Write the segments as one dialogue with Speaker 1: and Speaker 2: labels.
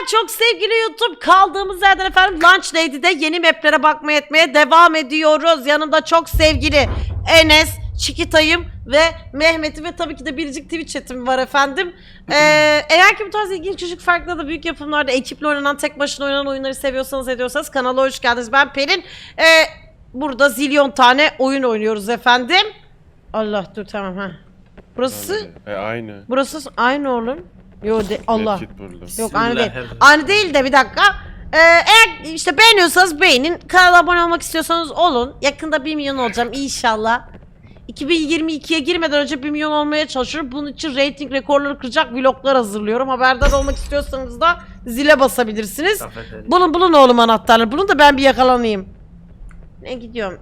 Speaker 1: çok sevgili YouTube, kaldığımız yerden efendim Lunch Lady'de yeni maplere bakmaya etmeye devam ediyoruz. Yanımda çok sevgili Enes, Çikitay'ım ve Mehmet'i ve tabii ki de biricik Twitch chat'im var efendim. Eğer ki bu tarz ilginç küçük farklı da büyük yapımlarda ekiple oynanan, tek başına oynanan oyunları seviyorsanız ediyorsanız kanala hoş geldiniz. Ben Pelin. Burada zilyon tane oyun oynuyoruz efendim. Allah dur tamam ha. Burası
Speaker 2: aynı.
Speaker 1: Burası aynı oğlum. Yo Allah. Yok aynı değil.
Speaker 3: Bismillah.
Speaker 1: Aynı değil de bir dakika. Eğer işte beğeniyorsanız beğenin. Kanala abone olmak istiyorsanız olun. Yakında 1 milyon olacağım inşallah. 2022'ye girmeden önce 1 milyon olmaya çalışıyorum. Bunun için rating rekorları kıracak vloglar hazırlıyorum. Haberdar olmak istiyorsanız da zile basabilirsiniz. Bulun oğlum anahtarları. Bulun da ben bir yakalanayım. Ne gidiyorum?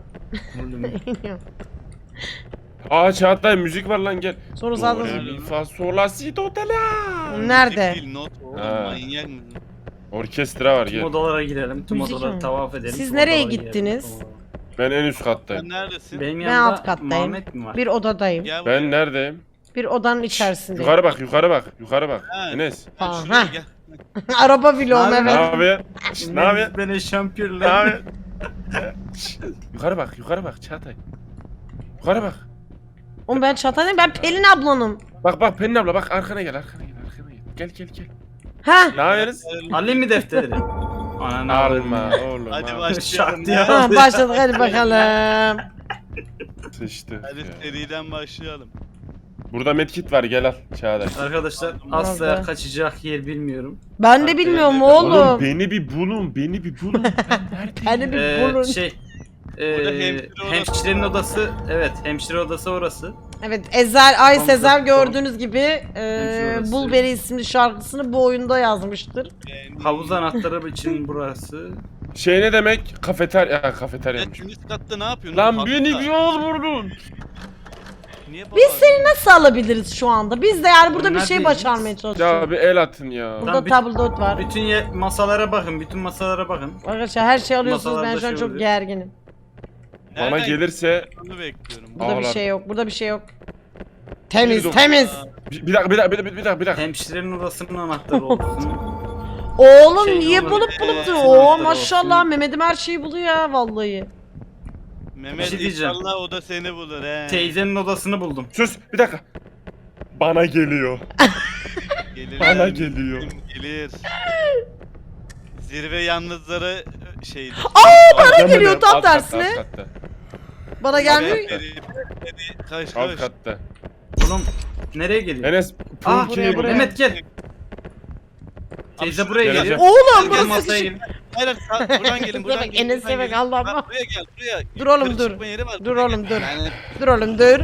Speaker 2: Aa Çağatay müzik var lan gel.
Speaker 1: Sonra
Speaker 2: Do,
Speaker 1: zaten
Speaker 2: re, mi, fa, sol, la, si, do, te, la.
Speaker 1: nerede?
Speaker 4: Not oğlum
Speaker 2: Ha.
Speaker 4: manyak mısın?
Speaker 2: Orkestra var
Speaker 3: Tüm
Speaker 2: gel.
Speaker 3: odalara girelim. Tüm
Speaker 1: Müzik
Speaker 3: odaları
Speaker 1: mi?
Speaker 3: tavaf edelim.
Speaker 1: Siz
Speaker 3: tüm
Speaker 1: nereye
Speaker 3: odalara
Speaker 1: gittiniz?
Speaker 3: girelim.
Speaker 2: Ben en üst
Speaker 4: Sen
Speaker 2: kattayım.
Speaker 4: neredesin?
Speaker 3: Benim
Speaker 1: Ben
Speaker 3: yanımda
Speaker 1: alt kattayım.
Speaker 3: Muhammed mi var?
Speaker 1: Bir odadayım.
Speaker 4: Gel buraya.
Speaker 2: Ben neredeyim?
Speaker 1: Bir odanın içerisindeyim.
Speaker 2: Yukarı bak, yukarı bak, yukarı bak.
Speaker 4: Ha.
Speaker 2: Enes.
Speaker 4: Gel
Speaker 1: Aa,
Speaker 4: şuraya
Speaker 1: ha.
Speaker 4: gel.
Speaker 1: Araba vlogum
Speaker 3: Ne
Speaker 2: Ne
Speaker 1: evet.
Speaker 2: yapıyorsun? Şşt, ne yapıyorsun?
Speaker 3: Beni
Speaker 2: Ne
Speaker 3: şampiyonlar.
Speaker 2: yapıyorsun? Şşt, yukarı bak Çağatay. Yukarı bak.
Speaker 1: Oğlum ben Çağatay'ım, ben Pelin ablanım.
Speaker 2: Bak Pelin abla bak arkana gel. Gel.
Speaker 1: Ha?
Speaker 2: Ne yapıyorsunuz?
Speaker 3: Alayım mı defteri? Ananı
Speaker 2: Alma oğlum.
Speaker 4: Hadi
Speaker 2: al.
Speaker 4: başlayalım.
Speaker 3: Şak diye.
Speaker 4: ya.
Speaker 1: Ha, başladık hadi bakalım.
Speaker 2: Sıçtı.
Speaker 4: Hadi
Speaker 2: ya.
Speaker 4: seriden başlayalım.
Speaker 2: Burada medkit var gel al Çağatay.
Speaker 3: Arkadaşlar asla
Speaker 1: Nerede?
Speaker 3: kaçacak yer bilmiyorum.
Speaker 1: Ben de bilmiyorum
Speaker 4: Oğlum,
Speaker 1: oğlum.
Speaker 2: Beni bir bulun. Ben neredeyim?
Speaker 1: Beni bir bulun.
Speaker 3: Burada
Speaker 4: hemşire odası.
Speaker 3: hemşirenin odası, evet hemşire odası orası.
Speaker 1: Evet Ezel Ay
Speaker 3: Tam
Speaker 1: Sezer
Speaker 3: zaten.
Speaker 1: gördüğünüz gibi
Speaker 3: Hemşire
Speaker 1: Bulberi isimli şarkısını bu oyunda yazmıştır.
Speaker 3: Havuz anahtarı için burası.
Speaker 2: Şey ne demek? Kafeteryaymış.
Speaker 4: Sen üst katta ne yapıyorsun?
Speaker 2: Lan
Speaker 4: Hatta-
Speaker 2: beni bir yol vurdun.
Speaker 4: Niye
Speaker 1: Biz seni nasıl alabiliriz şu anda? Biz de yani burada bir şey
Speaker 3: Neredeyiz?
Speaker 1: başarmaya çalışıyoruz.
Speaker 2: Ya bir el atın ya.
Speaker 1: Burada
Speaker 3: Lan bir-
Speaker 1: tabldot var.
Speaker 3: Bütün masalara bakın, bütün masalara bakın.
Speaker 1: Arkadaşlar her şey alıyorsunuz, ben
Speaker 3: Masalarda
Speaker 1: şu an
Speaker 3: şey
Speaker 1: çok
Speaker 3: oluyor.
Speaker 1: gerginim.
Speaker 2: Bana gelirse
Speaker 4: Onu bekliyorum.
Speaker 1: Burada bir
Speaker 2: Ağlar.
Speaker 1: şey yok, burada bir şey yok. Temiz,
Speaker 2: Dur.
Speaker 1: temiz.
Speaker 2: bir dakika.
Speaker 3: Hemşirenin odasının anahtarı olsun.
Speaker 1: Oğlum
Speaker 3: Şey
Speaker 1: niye
Speaker 3: olur.
Speaker 1: bulup da
Speaker 3: Ee,
Speaker 1: Oo
Speaker 3: anahtarı
Speaker 1: maşallah
Speaker 3: olsun.
Speaker 1: Mehmet'im her şeyi buluyor ya vallahi.
Speaker 4: Mehmet
Speaker 3: Bir şey diyeceğim.
Speaker 4: inşallah o da seni bulur he.
Speaker 3: Teyzenin odasını buldum.
Speaker 2: Sus bir dakika. Bana geliyor.
Speaker 4: Gelir
Speaker 2: Bana
Speaker 4: yani.
Speaker 2: geliyor.
Speaker 4: Gelir. Zirve yalnızları şeydir.
Speaker 1: Bana geliyor
Speaker 2: Alt
Speaker 1: tam
Speaker 2: katta,
Speaker 1: tersine.
Speaker 2: alt katta.
Speaker 1: Bana gelmiyor.
Speaker 4: Kaç
Speaker 2: Alt
Speaker 4: kaç.
Speaker 2: katta.
Speaker 3: Oğlum nereye geliyor?
Speaker 2: Enes
Speaker 3: Ah
Speaker 2: Punki'yi
Speaker 1: buraya.
Speaker 3: Mehmet gel. Teyze buraya
Speaker 2: Geleceğim.
Speaker 3: geliyor.
Speaker 1: Oğlum
Speaker 4: Gel,
Speaker 3: Gel
Speaker 1: burası
Speaker 3: masaya
Speaker 1: küçük.
Speaker 3: gelin.
Speaker 4: Hayır buradan gelin buradan
Speaker 1: Bak,
Speaker 4: gelin.
Speaker 1: Enes'e
Speaker 4: buradan
Speaker 1: bak,
Speaker 4: gelin.
Speaker 1: Allah'ım.
Speaker 4: Bak, buraya gel buraya.
Speaker 1: Dur oğlum,
Speaker 4: Yukarı
Speaker 1: dur.
Speaker 4: çıkma yeri var,
Speaker 1: Dur
Speaker 4: buraya
Speaker 1: oğlum,
Speaker 4: gel.
Speaker 1: dur.
Speaker 4: Yani,
Speaker 1: Dur oğlum dur.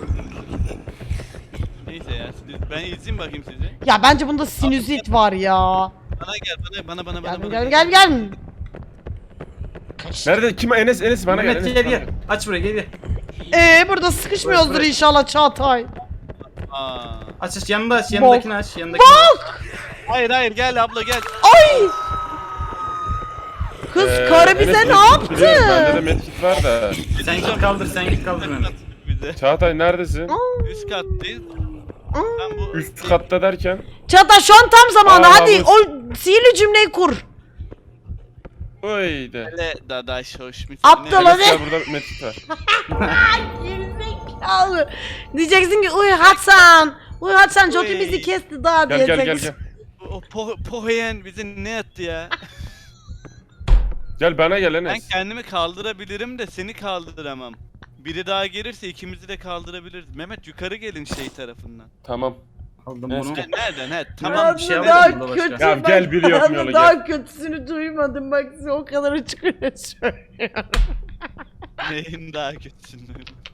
Speaker 4: neyse ya ben izleyeyim bakayım sizi.
Speaker 1: Ya bence bunda sinüzit var ya.
Speaker 4: Bana gel bana.
Speaker 1: Gel.
Speaker 2: Nerede? Kim? Enes bana gel.
Speaker 3: Mehmet
Speaker 2: Enes,
Speaker 3: gel
Speaker 2: bana
Speaker 3: gel. Aç buraya gel.
Speaker 1: Burada sıkışmıyoruzdur
Speaker 3: Burası.
Speaker 1: inşallah Çağatay.
Speaker 4: Aa.
Speaker 3: Aç yanında aç yanındakini aç yanındakini aç.
Speaker 4: Hayır gel abla gel.
Speaker 1: Ay! Kız karı bize
Speaker 2: Enes,
Speaker 1: ne
Speaker 2: medkit biliyorum, Bende de
Speaker 1: yaptı?
Speaker 2: medkit var da.
Speaker 3: Sen git kaldır Mehmet.
Speaker 4: Bize.
Speaker 2: Çağatay neredesin?
Speaker 4: Üst kattayız. Ben bu
Speaker 2: Üst katta derken.
Speaker 1: Çağatay şu an tam zamanı,
Speaker 2: Aa,
Speaker 1: hadi
Speaker 2: bu-
Speaker 1: o sihirli cümleyi kur.
Speaker 2: Oy de.
Speaker 4: Hele dadaş hoş mu?
Speaker 1: Aptal
Speaker 2: Enes
Speaker 1: hadi.
Speaker 2: gel burada medkit var.
Speaker 1: Gerizekalı. Diyeceksin ki uy Hasan Jockey bizi kesti daha
Speaker 2: Gel.
Speaker 1: diyeceksin.
Speaker 4: O poheyen bizi ne etti ya?
Speaker 2: Gel bana gel
Speaker 4: Ben
Speaker 2: Enes.
Speaker 4: kendimi kaldırabilirim de seni kaldıramam. Biri daha gelirse ikimizi de kaldırabiliriz. Mehmet yukarı gelin şey tarafından.
Speaker 2: Tamam.
Speaker 3: Aldım
Speaker 2: Neyse.
Speaker 3: bunu.
Speaker 4: Nereden? He
Speaker 3: Tamam,
Speaker 4: tamam.
Speaker 3: bir şey
Speaker 1: Aslında
Speaker 3: yapmadım
Speaker 1: daha
Speaker 3: burada başka.
Speaker 1: kötü.
Speaker 2: Ya
Speaker 1: bak,
Speaker 2: gel, biliyorum
Speaker 1: aslında
Speaker 2: yolu,
Speaker 1: daha
Speaker 2: gel.
Speaker 1: kötüsünü duymadım bak size o kadar açık öyle söylüyorum.
Speaker 4: Neyin daha kötüsün?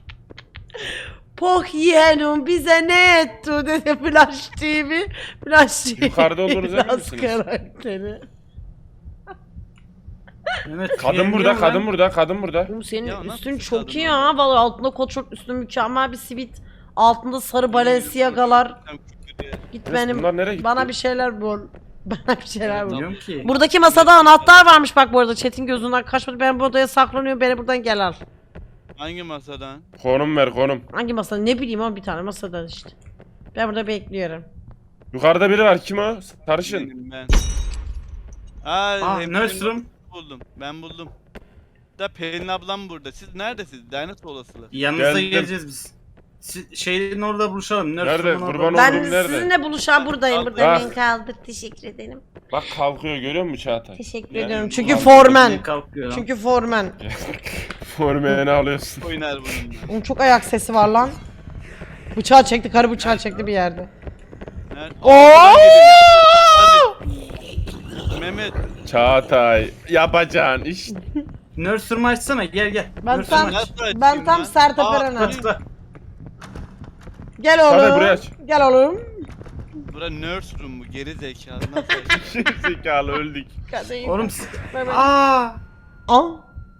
Speaker 1: Poh yeğenim bize ne etti dedi Flash TV. Flash TV.
Speaker 2: Yukarıda olduğunuzu emin
Speaker 1: Laz
Speaker 2: misiniz?
Speaker 1: karakteri.
Speaker 3: Mehmet,
Speaker 2: Kadın burada, kadın burada.
Speaker 1: Oğlum senin
Speaker 4: Ya nasıl
Speaker 1: üstün
Speaker 4: kız
Speaker 1: çok
Speaker 4: kadın
Speaker 1: iyi
Speaker 4: ya?
Speaker 1: ha. Vallahi altında kot şort, üstün mükemmel bir sivit. Altında sarı Balenciaga'lar. Git benim.
Speaker 2: Bunlar nereye gitti?
Speaker 1: Bana bir şeyler bul. Bana bir şeyler bul.
Speaker 3: Bilmiyorum ki.
Speaker 1: Buradaki masada anahtar varmış bak bu arada. Chat'in gözünden kaçmadı. Ben bu odaya saklanıyorum. Beni buradan gel al.
Speaker 4: Hangi masadan?
Speaker 2: Konum ver konum.
Speaker 1: Hangi masada? Ne bileyim ama bir tane masadan işte. Ben burada bekliyorum.
Speaker 2: Yukarıda biri var kim o? Sarışın.
Speaker 4: Benim ben.
Speaker 3: Nurse room.
Speaker 4: Buldum. Ben buldum. Da Pelin ablam burada. Siz neredesiniz? Lanet olasılar.
Speaker 3: Yanınıza
Speaker 2: Geldim.
Speaker 3: geleceğiz biz. Şeyin orada buluşalım. Nurse
Speaker 2: Nerede?
Speaker 3: room'un orada.
Speaker 2: Kurban
Speaker 1: Ben
Speaker 2: oldum, nerede?
Speaker 1: sizinle buluşan buradayım.
Speaker 4: Ah.
Speaker 1: Buradayım. Beni kaldır. Teşekkür ederim.
Speaker 2: Bak kalkıyor görüyor musun Çağatay?
Speaker 1: Teşekkür
Speaker 2: Yani
Speaker 1: ediyorum. Çünkü
Speaker 2: ulan
Speaker 1: formen.
Speaker 3: Kalkıyor lan.
Speaker 1: Çünkü formen.
Speaker 2: Formeni alıyorsun.
Speaker 4: Oynar bununla.
Speaker 1: Onun çok ayak sesi var lan. Bıçağı çekti. Karı bıçağı çekti bir yerde.
Speaker 4: Nerede?
Speaker 1: Oo!
Speaker 4: Mehmet.
Speaker 2: Çağatay yapacağın iş.
Speaker 3: Nurse room'u açsana gel.
Speaker 1: Ben
Speaker 3: Nurse
Speaker 1: tam
Speaker 3: room'u aç.
Speaker 4: Nasıl açayım
Speaker 1: ben tam
Speaker 4: ya?
Speaker 1: Sertab
Speaker 4: Aa,
Speaker 1: Erener.
Speaker 3: Tıkla.
Speaker 1: Gel
Speaker 2: Çağatay buraya
Speaker 1: oğlum.
Speaker 2: aç.
Speaker 1: Gel oğlum.
Speaker 4: Bura nurse room mu? Geri zekalı. Nasıl açayım?
Speaker 2: Zekalı öldük.
Speaker 3: Oğlum
Speaker 1: Mehmet.
Speaker 3: Aa!
Speaker 1: Al.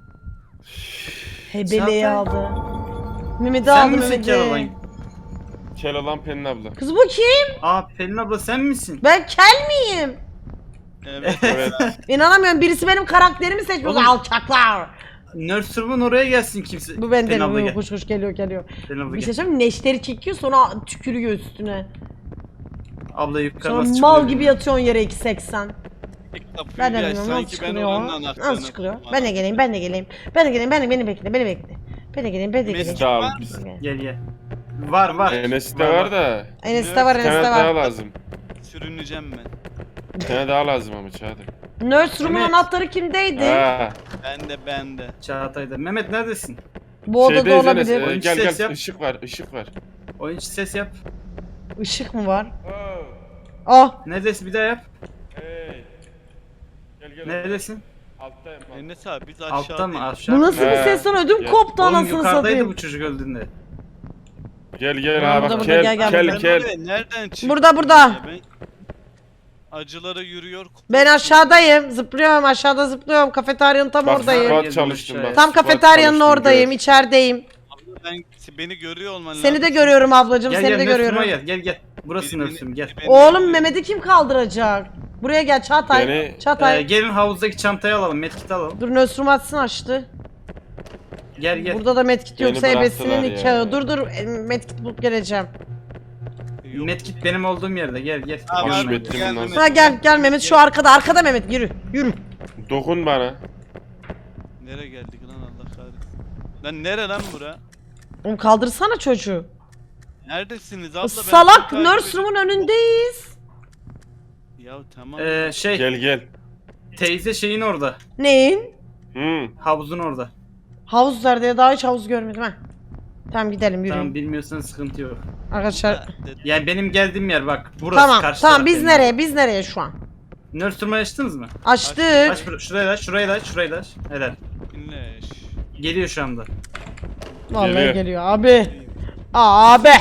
Speaker 1: Hebeleyi
Speaker 3: Çağatay.
Speaker 1: aldı. Mehmet'i
Speaker 3: Sen
Speaker 1: aldı
Speaker 3: misin Keloğlan?
Speaker 1: Mehmet'i.
Speaker 2: Kel olan Pelin abla.
Speaker 1: Kız bu kim?
Speaker 3: Aa Pelin abla sen misin?
Speaker 1: Ben kel miyim?
Speaker 4: Evet.
Speaker 2: Evet.
Speaker 1: İnanamıyorum. Birisi benim karakterimi seçmiş.
Speaker 3: Oğlum.
Speaker 1: Alçaklar.
Speaker 3: Nurse room'un oraya gelsin kimse.
Speaker 1: Bu bende
Speaker 3: Pelin abla
Speaker 1: mi?
Speaker 3: gel.
Speaker 1: Koş geliyor.
Speaker 3: Pelin abla
Speaker 1: Bir şey
Speaker 3: gel.
Speaker 1: söyleyeyim mi? Neşteri çekiyor sonra tükürüyor üstüne.
Speaker 3: Abla yukarı
Speaker 1: Sonra
Speaker 3: nasıl
Speaker 1: mal
Speaker 3: çıkıyor?
Speaker 1: gibi yatıyorsun yere 2.80.
Speaker 4: Kapıyı
Speaker 1: Ben de
Speaker 4: bir aç,
Speaker 1: bilmiyorum nasıl
Speaker 4: sanki ben
Speaker 1: çıkılıyor.
Speaker 4: oranın anahtarını
Speaker 1: Nasıl çıkılıyor?
Speaker 4: buldum.
Speaker 1: Ben de geleyim. Beni bekle. Beni de geleyim.
Speaker 2: Biz de al. Biz.
Speaker 3: Gel. Var.
Speaker 2: Enes'te var da.
Speaker 1: Enes'te var.
Speaker 2: Bir tane daha lazım.
Speaker 4: Sürüneceğim ben.
Speaker 1: Şey
Speaker 2: Bir tane daha lazım ama Çağatay.
Speaker 1: Nurse Room'un
Speaker 3: Mehmet.
Speaker 1: anahtarı kimdeydi?
Speaker 2: Ha.
Speaker 4: Ben de.
Speaker 3: Çağatay'da. Mehmet neredesin?
Speaker 1: Bu odada
Speaker 2: Şeydeyiz Enes.
Speaker 1: olabilir.
Speaker 3: Oyuncu
Speaker 2: Gel
Speaker 3: ses
Speaker 2: gel.
Speaker 3: yap.
Speaker 2: Işık var.
Speaker 3: Oyuncu ses yap.
Speaker 1: Işık mı var? Ah.
Speaker 3: Neredesin bir daha yap.
Speaker 2: Hey. Gel.
Speaker 3: Neredesin?
Speaker 2: Alttayım.
Speaker 4: Enes abi biz aşağıdayız.
Speaker 3: Altta mı aşağı?
Speaker 1: Bu nasıl bir
Speaker 2: He.
Speaker 1: ses lan? Ödüm
Speaker 2: Ya.
Speaker 1: koptu
Speaker 3: Oğlum
Speaker 1: anasını
Speaker 3: yukarıdaydı
Speaker 1: satayım.
Speaker 3: bu çocuk öldüğünde.
Speaker 2: Gel
Speaker 1: Burada,
Speaker 2: ha
Speaker 1: burada,
Speaker 2: bak
Speaker 1: gel,
Speaker 2: kel
Speaker 1: gel,
Speaker 2: kel
Speaker 4: Ben
Speaker 2: kel.
Speaker 4: oraya nereden çıktım?
Speaker 1: Burada.
Speaker 4: ya? Ben acılara yürüyor.
Speaker 1: Ben aşağıdayım. Zıplıyorum. Aşağıda zıplıyorum. Kafeteryanın tam
Speaker 2: Bak
Speaker 1: oradayım.
Speaker 2: squat çalıştım bak.
Speaker 1: Tam
Speaker 2: squat
Speaker 1: kafeteryanın
Speaker 2: çalıştım,
Speaker 1: oradayım.
Speaker 2: gör.
Speaker 1: İçerideyim.
Speaker 4: Ben beni görüyor olman lazım.
Speaker 1: Seni de görüyorum ablacığım.
Speaker 3: Gel
Speaker 1: Seni de
Speaker 3: Nurse
Speaker 1: görüyorum.
Speaker 3: room'a gel. Burası
Speaker 4: Beni-
Speaker 3: Nurse room gel.
Speaker 4: beni-
Speaker 1: Oğlum Mehmet'i kim kaldıracak? Buraya gel Çağatay.
Speaker 2: Beni-
Speaker 1: Çağatay.
Speaker 3: Gelin havuzdaki çantayı alalım. Medkit'i alalım.
Speaker 1: Dur Nurse Room açsın açtı.
Speaker 3: Gel.
Speaker 1: Burada da medkit
Speaker 2: Beni
Speaker 1: yoksa ebesinin
Speaker 2: bıraktılar
Speaker 1: nikahı.
Speaker 2: ya.
Speaker 1: Dur medkit bulup geleceğim.
Speaker 4: Yok.
Speaker 3: Medkit benim olduğum yerde. Gel.
Speaker 4: Ha,
Speaker 2: Hoş
Speaker 4: var mı?
Speaker 2: Metin
Speaker 4: Gel
Speaker 2: bundan
Speaker 4: Mehmet.
Speaker 1: Ha gel Mehmet şu arkada Mehmet yürü.
Speaker 2: Dokun bana.
Speaker 4: Nereye geldik lan Allah kahretsin. Lan nere lan bura?
Speaker 1: Oğlum kaldırsana çocuğu.
Speaker 4: Neredesiniz abla? Ben
Speaker 1: Salak
Speaker 4: sizi
Speaker 1: Nurse
Speaker 4: takip
Speaker 1: Room'un önündeyiz.
Speaker 4: Ya tamam.
Speaker 2: Gel.
Speaker 3: Teyze şeyin orada.
Speaker 1: Neyin?
Speaker 3: Havuzun orada.
Speaker 1: Havuz nerede ya? Daha hiç havuz görmedim ha. Tamam gidelim yürüyün.
Speaker 3: Tamam bilmiyorsan sıkıntı yok.
Speaker 1: Arkadaşlar.
Speaker 3: Yani benim geldiğim yer bak. Burası
Speaker 1: Tamam
Speaker 3: karşı
Speaker 1: tamam
Speaker 3: taraf
Speaker 1: biz
Speaker 3: benim.
Speaker 1: nereye? Biz nereye şu an?
Speaker 3: Nurse room'u açtınız mı?
Speaker 1: Açtık.
Speaker 3: Şurayı da aç. Helal.
Speaker 4: Dinleş.
Speaker 3: Geliyor şu anda.
Speaker 1: Vallahi
Speaker 2: Geliyor.
Speaker 1: geliyor abi. Abi.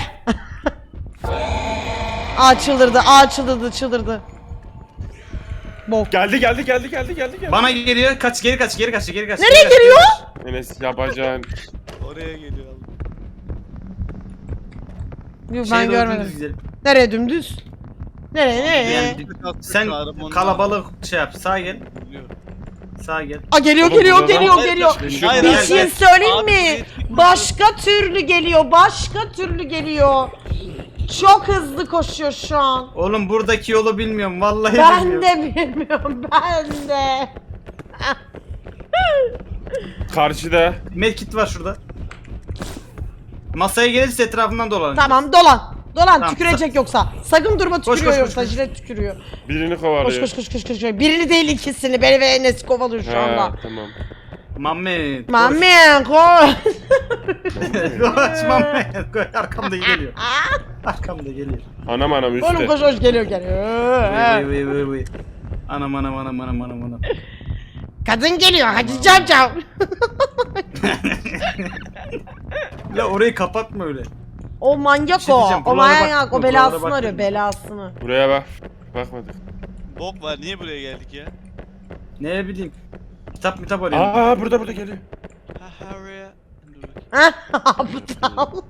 Speaker 1: Çıldırdı. Bok.
Speaker 2: Geldi.
Speaker 3: Bana geliyor. Geri kaç.
Speaker 1: Nereye geliyor?
Speaker 2: Enes yapacağın.
Speaker 4: Oraya geliyor abla.
Speaker 1: Yok
Speaker 3: Şeye
Speaker 1: ben
Speaker 3: doğru
Speaker 1: görmedim.
Speaker 3: dümdüz gidelim.
Speaker 1: Nereye dümdüz? Nereye?
Speaker 3: Yani sen kalabalık şey yap. Sağa gel. Sağa gel.
Speaker 1: Aa geliyor.
Speaker 2: Oğlum, burada
Speaker 1: geliyor.
Speaker 4: Hayır,
Speaker 1: Bir
Speaker 3: hayır,
Speaker 1: şey
Speaker 3: hayır.
Speaker 1: söyleyeyim
Speaker 4: Abi,
Speaker 1: mi?
Speaker 4: bir-
Speaker 1: Başka türlü geliyor. Çok hızlı koşuyor şu an.
Speaker 3: Oğlum buradaki yolu bilmiyorum. Vallahi
Speaker 1: Ben
Speaker 3: bilmiyorum.
Speaker 1: de bilmiyorum.
Speaker 2: Karşıda.
Speaker 3: Medkit var şurada. Masaya gelirse etrafından dolanın.
Speaker 1: Tamam dolan.
Speaker 3: Tamam,
Speaker 1: Tükürecek yoksa. Sakın durma tükürüyor
Speaker 3: koş,
Speaker 1: yoksa
Speaker 3: koş.
Speaker 1: jilet tükürüyor.
Speaker 2: Birini
Speaker 1: Koş
Speaker 2: kovalıyor.
Speaker 1: koş. Birini değil ikisini. Beni ve Enes'i kovalıyor şu anda.
Speaker 2: Ha, tamam.
Speaker 3: Mehmet. koş.
Speaker 1: Mami koş.
Speaker 3: Koş Mehmet. Koş. Arkamda geliyor.
Speaker 2: Anam üstte.
Speaker 1: Oğlum koş geliyor.
Speaker 3: Vıy. Anam.
Speaker 1: Kadın geliyor. Hadi cav.
Speaker 3: La orayı kapatma öyle.
Speaker 1: O manyak
Speaker 3: Bir şey
Speaker 1: o.
Speaker 3: diyeceğim,
Speaker 1: O
Speaker 3: buralara
Speaker 1: manyak.
Speaker 3: bakma,
Speaker 1: O belasını
Speaker 3: buralara
Speaker 1: arıyor.
Speaker 3: bakma.
Speaker 1: Belasını.
Speaker 2: Buraya bak. Bakmadık.
Speaker 4: Bok var niye buraya geldik ya?
Speaker 3: Ne bileyim. Kitap arıyorum.
Speaker 2: Aa burada geliyor.
Speaker 4: Ha oraya. Dur bakayım.
Speaker 1: Aptal.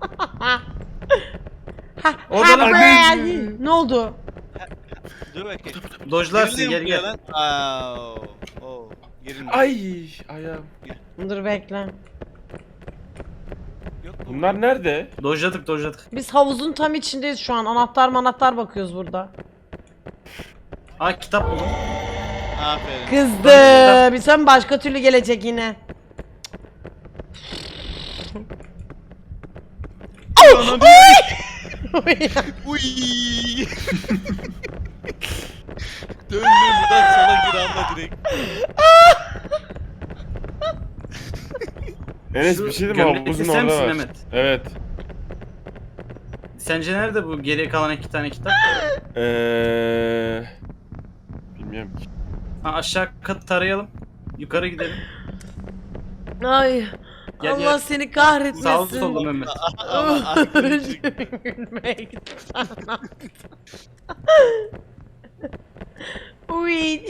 Speaker 3: Orada lan
Speaker 1: Buraya- Ne oldu?
Speaker 4: Dur bakayım.
Speaker 3: Dojlarsın
Speaker 4: Giriliyor
Speaker 3: gel.
Speaker 4: mu ya lan? Aa, oo. Girilmiyor.
Speaker 2: Ay ayağım.
Speaker 1: Dur bekle.
Speaker 4: Yok mu?
Speaker 2: Bunlar nerede?
Speaker 3: Dojladık.
Speaker 1: Biz havuzun tam içindeyiz şu an. Anahtar bakıyoruz burada.
Speaker 3: Aa kitap buldum.
Speaker 4: Aferin.
Speaker 1: Kızdı. Bir son başka türlü gelecek yine.
Speaker 4: Uy. Döndüm buradan sola gir abla direkt.
Speaker 2: Enes
Speaker 3: Şu
Speaker 2: bir şey diyeyim mi?
Speaker 3: gömlekli
Speaker 2: Havuzun
Speaker 3: sen
Speaker 2: orada
Speaker 3: misin
Speaker 2: var.
Speaker 3: Mehmet?
Speaker 2: Evet.
Speaker 3: Sence nerede bu geriye kalan 2 tane kitap?
Speaker 2: Bilmiyorum ki.
Speaker 3: Ha, aşağı kat tarayalım. Yukarı gidelim.
Speaker 1: Ay.
Speaker 3: Gel,
Speaker 1: Allah
Speaker 3: gel.
Speaker 1: seni
Speaker 3: Sağ
Speaker 1: kahretmesin.
Speaker 3: solda Mehmet.
Speaker 4: Ama arkadaşım.
Speaker 1: Gülmekten. Uy.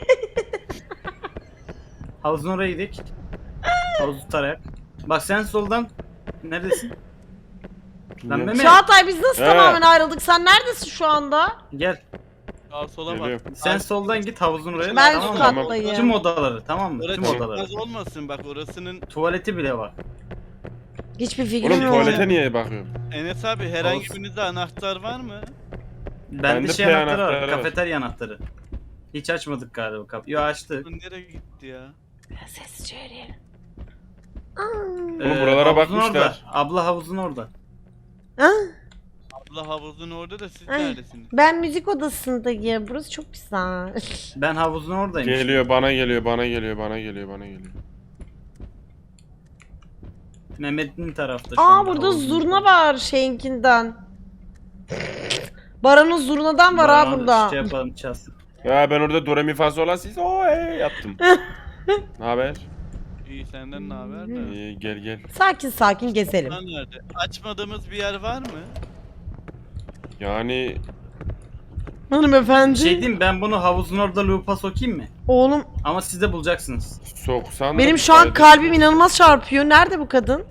Speaker 3: Havuzun oraya gidelim. Havuzu tarayak. Bak sen soldan. Neredesin? Lan
Speaker 2: Bilmiyorum.
Speaker 3: Mehmet.
Speaker 1: Çağatay biz nasıl
Speaker 2: He.
Speaker 1: tamamen ayrıldık? Sen neredesin şu anda?
Speaker 3: Gel.
Speaker 4: Sağa sola bak.
Speaker 2: Geliyorum.
Speaker 3: Sen soldan git havuzun oraya.
Speaker 1: Ben
Speaker 3: tamam
Speaker 1: üst
Speaker 3: mı?
Speaker 1: kattayım.
Speaker 3: Tüm odaları tamam mı?
Speaker 4: Orası
Speaker 3: Tüm odaları.
Speaker 4: çıkmaz olmasın bak orasının.
Speaker 3: Tuvaleti bile var.
Speaker 1: Hiçbir fikrim
Speaker 2: Oğlum
Speaker 1: yok.
Speaker 2: tuvalete niye bakıyorum?
Speaker 4: Enes abi herhangi
Speaker 3: Olsun.
Speaker 4: birinizde anahtar var mı?
Speaker 3: Bende
Speaker 2: P
Speaker 3: şey anahtarı
Speaker 2: anahtarı
Speaker 3: var.
Speaker 2: var.
Speaker 3: Kafeterya anahtarı. Hiç açmadık galiba kapıyı. Yo açtık.
Speaker 4: Bu nereye gitti ya?
Speaker 1: Sessizce yürüyelim.
Speaker 2: Oğlum buralara
Speaker 3: havuzun
Speaker 2: bakmışlar.
Speaker 3: Orada. Abla havuzun orada.
Speaker 1: Ha?
Speaker 4: Abla havuzun orada da siz
Speaker 1: Ay.
Speaker 4: neredesiniz?
Speaker 1: Ben müzik odasındayım. Burası çok güzel.
Speaker 3: Ben havuzun oradayım.
Speaker 2: Geliyor bana geliyor bana geliyor bana geliyor bana geliyor.
Speaker 3: Mehmet'in tarafta şu
Speaker 1: Aa
Speaker 3: anda
Speaker 1: burada
Speaker 3: havuzun
Speaker 1: zurna
Speaker 3: orada.
Speaker 1: var şeyinkinden. Baran'ın zurnadan var ha
Speaker 3: Bana
Speaker 1: burada.
Speaker 3: Şey yapalım çalsın.
Speaker 2: Ya ben orada do re mi fa sol la si so yaptım. Ne haber?
Speaker 4: İyi senden ne haber de?
Speaker 2: İyi gel gel.
Speaker 1: Sakin sakin gezelim.
Speaker 4: Lan nerede? Açmadığımız bir yer var mı?
Speaker 2: Yani
Speaker 1: Hanımefendi.
Speaker 3: Şey diyeyim ben bunu havuzun orada loop'a sokayım mı?
Speaker 1: Oğlum
Speaker 3: Ama siz de bulacaksınız.
Speaker 2: soksan da
Speaker 1: benim
Speaker 2: bir
Speaker 1: şu an
Speaker 2: fayda-
Speaker 1: kalbim inanılmaz çarpıyor. Nerede bu kadın?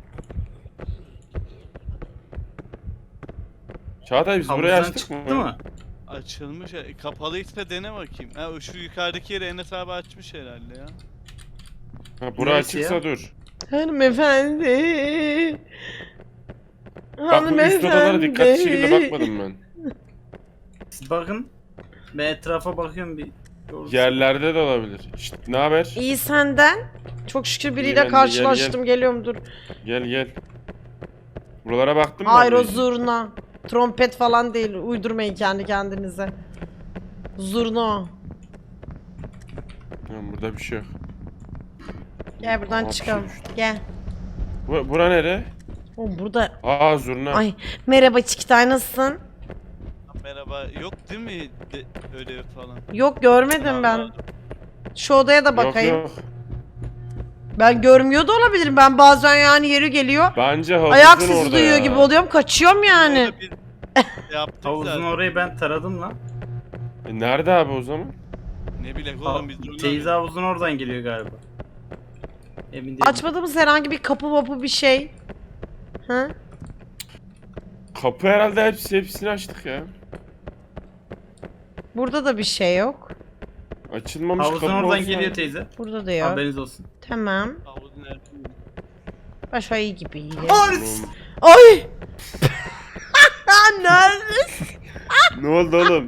Speaker 2: Çağatay biz burayı
Speaker 3: Havuzdan
Speaker 2: açtık
Speaker 3: çıktı
Speaker 2: mı?
Speaker 3: mı?
Speaker 4: Açılmış. Kapalıysa dene bakayım. Ha o şu yukarıdaki yeri Enes abi açmış herhalde ya.
Speaker 2: Ha, bura
Speaker 3: Neresi
Speaker 2: açıksa
Speaker 3: ya?
Speaker 2: dur.
Speaker 1: Hanımefendi.
Speaker 2: Bak bu üst odalara dikkatli şekilde bakmadım ben.
Speaker 3: Siz bakın. Ben etrafa bakıyorum bir. Doğrusu.
Speaker 2: Yerlerde de olabilir. İşte, ne haber?
Speaker 1: İyi senden. Çok şükür
Speaker 2: İyi
Speaker 1: biriyle
Speaker 2: ben de,
Speaker 1: karşılaştım. Geliyorum dur.
Speaker 2: Gel gel. Buralara baktın mı?
Speaker 1: Hayır o
Speaker 2: abi?
Speaker 1: zurna. Trompet falan değil. Uydurmayın kendi kendinize. Zurna o.
Speaker 2: Tamam, burada bir şey yok.
Speaker 1: Gel buradan
Speaker 2: Aa,
Speaker 1: çıkalım.
Speaker 2: bir şey düştü.
Speaker 1: Gel.
Speaker 2: Bura nere?
Speaker 1: Oğlum burada.
Speaker 2: Aa zurna.
Speaker 1: Ay merhaba Çikitay nasılsın?
Speaker 4: Merhaba. Yok değil mi ödev falan?
Speaker 1: Yok görmedim ben. Şu odaya da
Speaker 2: Yok
Speaker 1: bakayım.
Speaker 2: yok.
Speaker 1: Ben görmüyor da olabilirim. Ben bazen yani yeri geliyor.
Speaker 2: Bence havuzun
Speaker 1: Ayak
Speaker 2: orada
Speaker 1: sesi duyuyor
Speaker 2: ya.
Speaker 1: gibi oluyorum. Kaçıyorum yani.
Speaker 4: Orada bir yaptık
Speaker 3: Havuzun
Speaker 4: zaten.
Speaker 3: orayı ben taradım lan.
Speaker 2: Nerede abi o zaman?
Speaker 4: Ne bilek oğlum biz de
Speaker 3: Teyze havuzun oradan geliyor galiba. Emin değilim.
Speaker 1: Açmadığımız herhangi bir kapı vapı bir şey. Ha?
Speaker 2: Kapı herhalde hepsini açtık ya.
Speaker 1: Burada da bir şey yok.
Speaker 2: Açılmamış
Speaker 3: Havuzun
Speaker 2: kapı
Speaker 3: oradan
Speaker 2: olsa-
Speaker 3: geliyor teyze.
Speaker 1: Burada da yok.
Speaker 3: Haberiniz olsun.
Speaker 1: Tamam.
Speaker 4: Havuzun nerede?
Speaker 1: Başka iyi gibi iyi.
Speaker 2: Oğlum,
Speaker 1: Ay! Neredesin?
Speaker 2: ne oldu oğlum?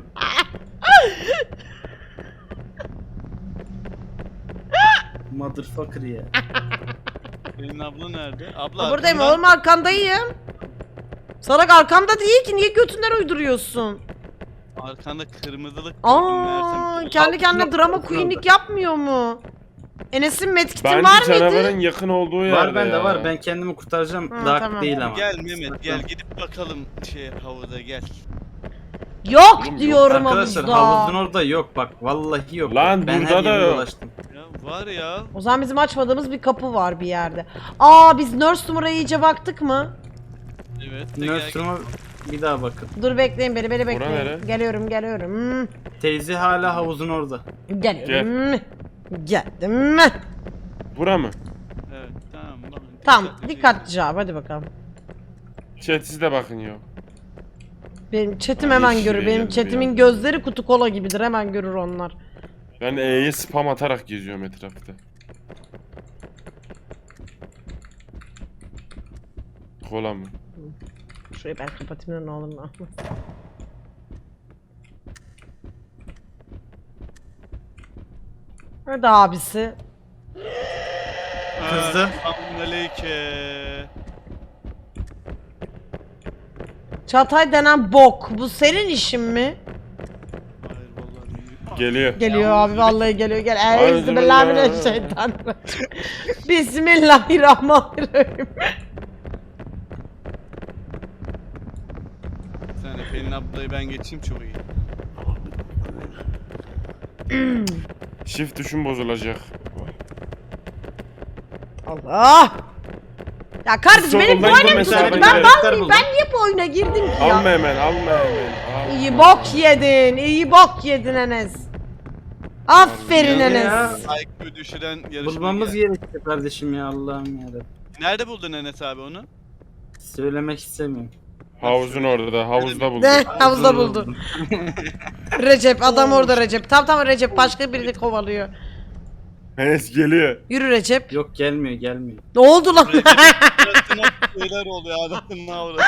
Speaker 3: Motherfucker ya.
Speaker 4: Senin abla nerede? Abla
Speaker 1: Buradayım
Speaker 4: arkamdan-
Speaker 1: oğlum arkandayım. Salak arkamda değil ki niye götünden uyduruyorsun?
Speaker 4: Arkanda kırmızılık
Speaker 1: Aa,
Speaker 4: meğersem-
Speaker 1: kendi kendine
Speaker 3: Altına
Speaker 1: drama
Speaker 3: bakın
Speaker 1: queen'lik
Speaker 3: orada.
Speaker 1: yapmıyor mu? Enes'in medkit'i
Speaker 2: Bence
Speaker 1: var mıydı?
Speaker 2: canavarın yakın olduğu yerde
Speaker 3: Var bende
Speaker 2: ya.
Speaker 3: var. Ben kendimi kurtaracağım.
Speaker 1: Hı,
Speaker 3: Dark
Speaker 1: tamam.
Speaker 3: değil ama.
Speaker 4: Gel Mehmet gel gidip bakalım havuza gel.
Speaker 1: Yok
Speaker 2: Oğlum,
Speaker 1: diyorum
Speaker 3: Arkadaşlar
Speaker 1: havuzda.
Speaker 3: havuzun orada yok bak. Vallahi yok.
Speaker 2: Lan
Speaker 3: ben
Speaker 2: burada
Speaker 3: her
Speaker 2: da
Speaker 3: yere
Speaker 2: yok.
Speaker 3: dolaştım.
Speaker 4: Ya var ya.
Speaker 1: O zaman bizim açmadığımız bir kapı var bir yerde. Aa biz nurse numaraya iyice baktık mı?
Speaker 4: Evet. de gel,
Speaker 3: Nurse'uma bir daha bakın.
Speaker 1: Dur bekleyin beni
Speaker 2: nere?
Speaker 1: bekleyin. Geliyorum geliyorum.
Speaker 3: Teyze hala havuzun orada.
Speaker 1: Geliyorum. Geldim.
Speaker 2: Bura mı?
Speaker 4: Evet tamam. Bakın,
Speaker 1: Tamam
Speaker 4: dikkatli
Speaker 1: dikkatli cevap hadi bakalım.
Speaker 2: Chat'siz de bakın ya.
Speaker 1: Benim chatim
Speaker 2: Ay,
Speaker 1: hemen
Speaker 2: yeşil
Speaker 1: görür. Benim
Speaker 2: geldi bir
Speaker 1: chatimin
Speaker 2: anda.
Speaker 1: gözleri kutu kola gibidir. Hemen görür onlar.
Speaker 2: Ben E'ye spam atarak geziyorum etrafta. Kola mı?
Speaker 1: Şurayı ben kapatayım da ne olur ne olmaz. Hadi abisi.
Speaker 3: Kızdı.
Speaker 4: Selamünaleyküm.
Speaker 1: Çağatay denen bok. Bu senin işin mi?
Speaker 4: Hayır vallahi.
Speaker 2: Geliyor.
Speaker 1: Geliyor abi vallahi geliyor. Gel.
Speaker 2: Bismillah.
Speaker 1: Bismillahirrahmanirrahim. Bismillahirrahmanirrahim.
Speaker 4: Sen Pelin ablayı ben geçeyim çok iyi.
Speaker 2: Shift tuşum bozulacak.
Speaker 1: Allah. Ya kardeşim benim bu
Speaker 2: Solundan
Speaker 1: oyuna mı
Speaker 2: gitmesi
Speaker 1: girdin?
Speaker 2: abi,
Speaker 1: Ben
Speaker 2: gidelim.
Speaker 1: vallahi ben niye bu oyuna girdim ki ya?
Speaker 2: Alma hemen, alma hemen. Al.
Speaker 1: İyi bok yedin. İyi bok yedin Enes. Aferin
Speaker 3: Ya.
Speaker 1: Enes.
Speaker 4: IQ düşüren yarışma.
Speaker 3: Bulmamız gerekiyor kardeşim ya, Allah'ım yarabbim.
Speaker 4: Nerede buldun Enes abi onu?
Speaker 3: Söylemek istemiyorum.
Speaker 2: Havuzun orada, havuzda buldum.
Speaker 1: Ne? Havuzda buldu. Recep adam orada Recep. Tamam Recep başka birini kovalıyor.
Speaker 2: Enes geliyor.
Speaker 1: Yürü Recep.
Speaker 3: Yok, gelmiyor.
Speaker 1: Ne oldu lan?
Speaker 4: Suratına şeyler oluyor adamın avradı.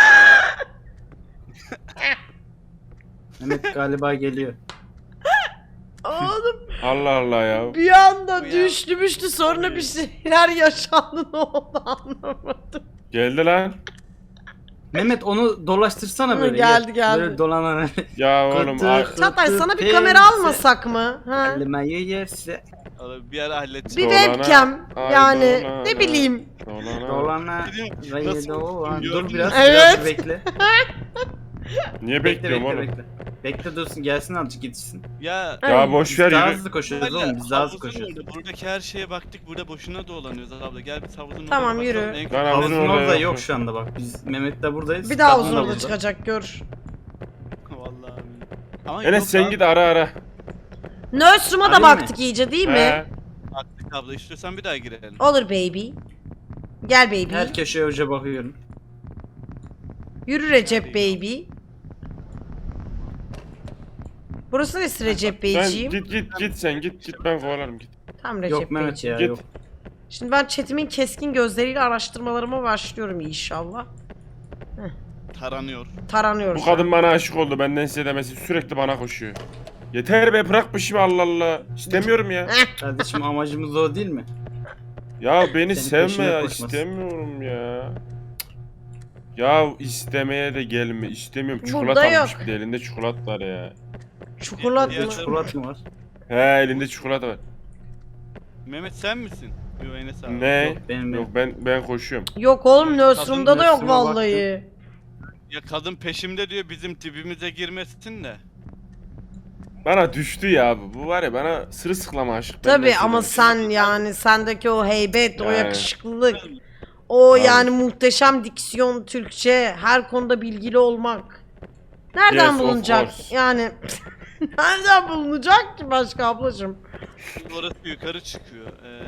Speaker 3: Mehmet galiba geliyor.
Speaker 1: Oğlum
Speaker 2: Allah Allah ya.
Speaker 1: bir anda
Speaker 4: Bu ya.
Speaker 1: düştü sonra bir şeyler yaşandı ne oldu anlamadım.
Speaker 2: Geldi lan.
Speaker 3: Mehmet onu dolaştırsana
Speaker 1: Hı,
Speaker 3: böyle.
Speaker 1: geldi.
Speaker 3: Böyle dolanan.
Speaker 2: Ya oğlum
Speaker 3: Kutu.
Speaker 2: ah.
Speaker 1: Çağatay sana bir
Speaker 3: Teyze.
Speaker 1: kamera almasak mı? Ha?
Speaker 3: Elmayı yerse.
Speaker 4: Abi bir ara halledeceğim.
Speaker 1: Bir
Speaker 2: Dolana,
Speaker 1: webcam
Speaker 2: ay
Speaker 1: yani
Speaker 2: dolana.
Speaker 1: ne bileyim.
Speaker 3: Dolana.
Speaker 4: Nasıl
Speaker 3: Dolan.
Speaker 4: gördün
Speaker 3: Dur biraz.
Speaker 1: Evet.
Speaker 3: Biraz bekle.
Speaker 2: Niye
Speaker 3: Bekle
Speaker 2: bekliyorum oğlum?
Speaker 3: bekle. Bekle dursun, gelsin azıcık gitsin.
Speaker 4: Ya
Speaker 2: Ya boş
Speaker 3: Biz
Speaker 2: ver
Speaker 3: daha
Speaker 2: yürü.
Speaker 3: hızlı koşuyoruz oğlum, biz daha hızlı koşuyoruz.
Speaker 4: Buradaki her şeye baktık. Burada boşuna dolanıyoruz abla. Gel biz havuzun oraya
Speaker 1: Tamam,
Speaker 4: bakalım.
Speaker 1: yürü.
Speaker 4: En kötü-
Speaker 2: Ben havuzun
Speaker 3: Havuzun orada
Speaker 2: orada
Speaker 3: yok şu anda bak. Biz Mehmet'le buradayız.
Speaker 1: Bir daha
Speaker 3: Kadın
Speaker 1: uzun
Speaker 3: da
Speaker 1: orada
Speaker 3: burada.
Speaker 1: çıkacak gör.
Speaker 4: Vallahi. Ama
Speaker 2: Enes
Speaker 4: yok
Speaker 2: sen
Speaker 4: abi.
Speaker 2: git ara.
Speaker 1: Nurse'uma da
Speaker 3: Arayayım
Speaker 1: baktık iyice değil mi?
Speaker 2: He.
Speaker 4: Baktık abla, istiyorsan bir daha girelim.
Speaker 1: Olur baby. Gel baby.
Speaker 3: Her köşeye hoca bakıyorum.
Speaker 1: Yürü Recep baby. Burası neresi Recep
Speaker 2: Sen
Speaker 1: Beyciğim?
Speaker 2: git sen git ben kovalarım git.
Speaker 1: Tamam Recep
Speaker 3: Yok Mehmet
Speaker 1: Beyciğim.
Speaker 3: ya,
Speaker 2: Git.
Speaker 3: yok.
Speaker 1: Şimdi ben chatimin keskin gözleriyle araştırmalarıma başlıyorum inşallah.
Speaker 4: Taranıyor.
Speaker 1: Taranıyoruz.
Speaker 2: Bu kadın bana aşık oldu, benden size demesi sürekli bana koşuyor. Yeter be, bırak peşimi, Allah Allah. İstemiyorum ya.
Speaker 3: Kardeşim amacımız o değil mi?
Speaker 2: Ya beni
Speaker 3: Senin
Speaker 2: sevme
Speaker 3: peşine
Speaker 2: ya,
Speaker 3: koşması.
Speaker 2: istemiyorum ya. Ya istemeye de gelme, istemiyorum.
Speaker 1: Burada
Speaker 2: Çikolata almış
Speaker 1: yok.
Speaker 2: bir de, elinde çikolata var ya.
Speaker 1: Çikolat
Speaker 4: Diğer
Speaker 1: mı?
Speaker 3: Çikolat mı var?
Speaker 2: He, elinde çikolata var.
Speaker 4: Mehmet sen misin? Yo Enes abi.
Speaker 2: Ne?
Speaker 3: Yok, benim.
Speaker 2: Yok ben koşuyorum.
Speaker 1: Yok oğlum Nurse'umda da yok
Speaker 3: Nurse'uma
Speaker 1: vallahi.
Speaker 4: Ya kadın peşimde diyor, bizim tipimize girmesin de.
Speaker 2: Bana düştü ya bu. Bu var ya, bana sırılsıklama aşık.
Speaker 1: Tabi
Speaker 2: Benden
Speaker 1: ama
Speaker 2: size
Speaker 1: sen yani sendeki o heybet, o
Speaker 2: Yani.
Speaker 1: yakışıklılık, o
Speaker 2: Abi.
Speaker 1: yani muhteşem diksiyon, Türkçe, her konuda bilgili olmak. Nereden
Speaker 2: Yes, of
Speaker 1: bulunacak?
Speaker 2: course.
Speaker 1: Yani nereden bulunacak ki başka ablacığım?
Speaker 4: Orası yukarı çıkıyor.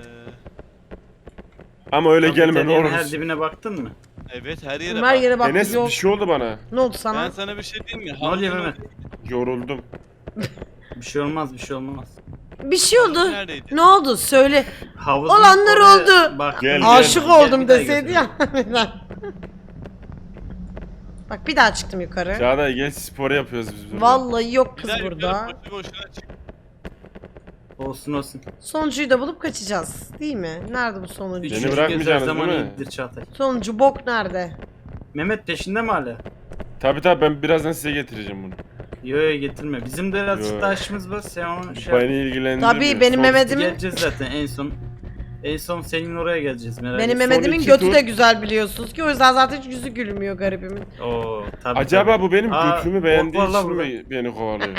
Speaker 2: Ama öyle gelme ne
Speaker 3: Kafeteryanın her
Speaker 2: olursun.
Speaker 3: dibine baktın mı?
Speaker 4: Evet her yere
Speaker 1: Her
Speaker 4: bak.
Speaker 1: yere bak
Speaker 2: Enes
Speaker 1: yok.
Speaker 2: bir şey oldu bana.
Speaker 1: Ne oldu
Speaker 4: Ben
Speaker 1: sana?
Speaker 4: sana bir şey diyeyim mi?
Speaker 3: Ne oluyor Mehmet?
Speaker 2: Yoruldum.
Speaker 3: Bir şey olmaz, bir şey olmaz.
Speaker 1: Bir şey oldu.
Speaker 4: Neredeydi?
Speaker 1: Ne oldu? Söyle.
Speaker 3: Havuzun
Speaker 1: Olanlar
Speaker 3: oraya
Speaker 1: oldu.
Speaker 3: bak.
Speaker 2: Gel,
Speaker 1: Aşık
Speaker 2: gel.
Speaker 1: oldum
Speaker 3: bir daha
Speaker 1: deseydi ya. Bak bir daha çıktım yukarı.
Speaker 2: Çağatay gel, spor yapıyoruz biz burada.
Speaker 1: Vallahi yok kız
Speaker 4: Güzel
Speaker 1: burada.
Speaker 4: yukarı boşu boşuna çık.
Speaker 3: Olsun.
Speaker 1: Sonuncuyu da bulup kaçacağız. Değil mi? Nerede bu sonuncu?
Speaker 2: Beni
Speaker 3: Üçüncü
Speaker 2: bırakmayacaksınız
Speaker 3: göz her zaman
Speaker 2: değil mi?
Speaker 3: iyidir Çağatay.
Speaker 1: Sonuncu bok nerede?
Speaker 3: Mehmet peşinde mi hala?
Speaker 2: Tabi ben birazdan size getireceğim bunu.
Speaker 3: Yo getirme. Bizim de
Speaker 2: Yo.
Speaker 3: birazcık da işimiz var. Sen onu şey yap.
Speaker 2: Beni ilgilendirmiyor.
Speaker 1: Tabii benim
Speaker 2: Son-
Speaker 1: Mehmet'imin
Speaker 3: Geleceğiz zaten en son. En son senin oraya geleceğiz merak
Speaker 1: benim
Speaker 3: etme.
Speaker 1: Mehmet'imin
Speaker 2: iki
Speaker 1: götü
Speaker 2: tur-
Speaker 1: de güzel biliyorsunuz ki o yüzden zaten hiç yüzü gülmüyor garibimin.
Speaker 3: Oo, tabii,
Speaker 2: Acaba
Speaker 3: tabii.
Speaker 2: bu benim
Speaker 3: Aa,
Speaker 2: götümü beğendiği
Speaker 3: vallahi
Speaker 2: için
Speaker 3: burada.
Speaker 2: mi beni kovalıyor?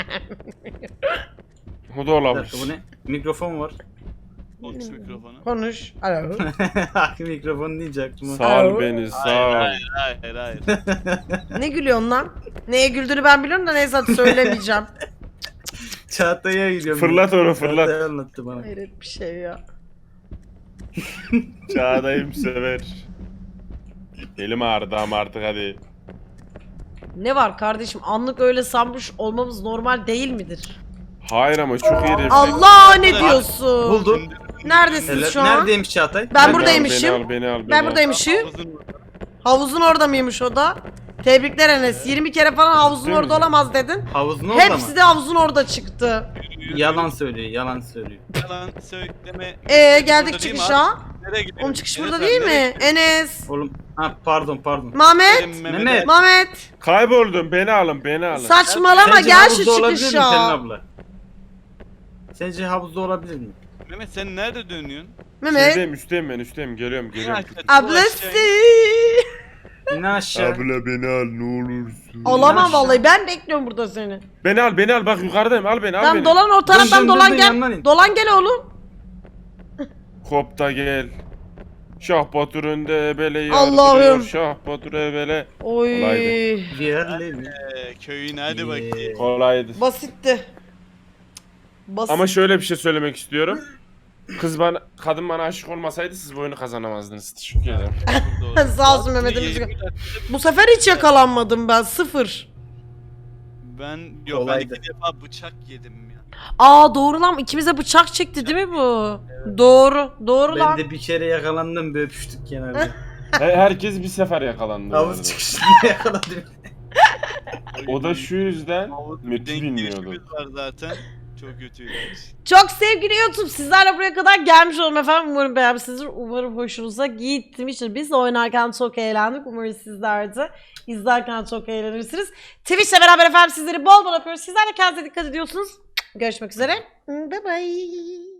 Speaker 2: O da
Speaker 3: Bir
Speaker 2: olabilir.
Speaker 3: dakika, bu ne? Mikrofon var.
Speaker 4: Konuş mikrofonu.
Speaker 1: Konuş. Alo.
Speaker 3: Mikrofon deyince aklıma.
Speaker 2: Sağ ol
Speaker 1: Alo.
Speaker 2: beni, sağ ol.
Speaker 4: Hayır.
Speaker 1: Ne gülüyorsun lan? Neye güldüğünü ben biliyorum da neyse hadi söylemeyeceğim.
Speaker 3: Çağatay'a gidiyorum.
Speaker 2: Fırlat onu, fırlat.
Speaker 3: Çağatay anlattı bana.
Speaker 1: Hayret bir şey ya.
Speaker 2: Çağatay'ım sever. Elim ağrıdı ama artık hadi.
Speaker 1: Ne var kardeşim? Anlık öyle sanmış olmamız normal değil midir?
Speaker 2: Hayır ama çok iyi refleks.
Speaker 1: Allah ne diyorsun?
Speaker 3: Buldu.
Speaker 1: Neredesiniz
Speaker 3: Helal.
Speaker 1: şu an?
Speaker 3: Neredeymiş Çağatay?
Speaker 1: Ben
Speaker 2: Beni
Speaker 1: buradaymışım.
Speaker 2: al, beni al, beni
Speaker 1: Ben
Speaker 2: al.
Speaker 1: buradaymışım.
Speaker 4: Havuzun
Speaker 1: Havuzun orada mıymış o da? Tebrikler Enes. 20 kere falan havuzun
Speaker 2: Değil
Speaker 1: orada
Speaker 2: mi?
Speaker 1: olamaz dedin.
Speaker 3: Havuzun orada
Speaker 1: Hepsi
Speaker 3: mı?
Speaker 1: de havuzun orada çıktı.
Speaker 3: Yalan söylüyor, yalan söylüyor.
Speaker 4: Yalan söyleme.
Speaker 1: Geldik
Speaker 4: Burada değil mi
Speaker 1: çıkışa.
Speaker 4: abi? Nereye gidiyorsun?
Speaker 1: Oğlum çıkış
Speaker 4: Enes
Speaker 1: burada
Speaker 4: abi,
Speaker 1: değil
Speaker 4: nereye
Speaker 1: mi?
Speaker 4: gidiyorsun?
Speaker 1: Enes.
Speaker 3: Oğlum, ha pardon.
Speaker 1: Mehmet.
Speaker 3: Mehmet.
Speaker 1: Mehmet.
Speaker 2: Kayboldum, beni alın, beni alın.
Speaker 1: Saçmalama
Speaker 3: Sence
Speaker 1: gel şu
Speaker 3: havuzda olabilir mi Pelin
Speaker 1: çıkışa.
Speaker 3: abla? Sence havuzda olabilir mi?
Speaker 4: Mehmet sen nerede dönüyorsun?
Speaker 1: Mehmet.
Speaker 2: Üstteyim ben, üstteyim. Geliyorum.
Speaker 1: Ablası.
Speaker 3: İn aşağı.
Speaker 2: Abla beni al ne olursun.
Speaker 1: Alamam
Speaker 3: aşağı.
Speaker 1: vallahi ben bekliyorum burada seni.
Speaker 2: Beni al, bak yukarıdayım, al beni, al
Speaker 1: Tamam
Speaker 2: beni.
Speaker 1: dolan o taraftan
Speaker 3: dön,
Speaker 1: dolan
Speaker 3: dön,
Speaker 1: gel.
Speaker 3: yandan in.
Speaker 1: Dolan gel oğlum.
Speaker 2: Hop da gel. Şah Batur önde ebele
Speaker 1: Allah'ım.
Speaker 2: yardırıyor. Şah Batur ebele.
Speaker 1: Oy.
Speaker 2: Kolaydı.
Speaker 3: Diğerleri.
Speaker 4: Köyün hadi bakayım.
Speaker 2: Kolaydı.
Speaker 1: Basitti. Basit.
Speaker 2: Ama şöyle bir şey söylemek istiyorum. Kadın bana aşık olmasaydı siz bu oyunu kazanamazdınız. Teşekkür ederim.
Speaker 1: Sağ olsun Mehmet
Speaker 4: Yirmi
Speaker 1: Emre.
Speaker 4: dakika-
Speaker 1: Bu sefer hiç yakalanmadım ben. Sıfır.
Speaker 4: Ben
Speaker 3: Kolaydı.
Speaker 4: ben 2 defa bıçak yedim ya.
Speaker 1: Aa doğru lan ikimize bıçak çekti değil mi bu? Doğru. Doğru
Speaker 3: Ben
Speaker 1: lan.
Speaker 3: de bir kere yakalandım, böyle öpüştük kenarda.
Speaker 2: Herkes bir sefer yakalandı. bu
Speaker 3: Havuz
Speaker 2: arada.
Speaker 3: çıkışında yakaladım.
Speaker 2: O da şu yüzden
Speaker 4: Havuz
Speaker 2: Meti
Speaker 4: denk
Speaker 2: bilmiyordu.
Speaker 4: girişimiz var zaten. Çok kötüydü.
Speaker 1: Çok sevgili YouTube sizlerle buraya kadar gelmiş olalım efendim. Umarım beğenmişsinizdir. Umarım hoşunuza gitmiştir. Biz de oynarken çok eğlendik. Umarım sizler de izlerken çok eğlenirsiniz. Twitch'le beraber efendim sizleri bol bol öpüyoruz. Sizler de kendinize dikkat ediyorsunuz. Görüşmek üzere. Bye bye.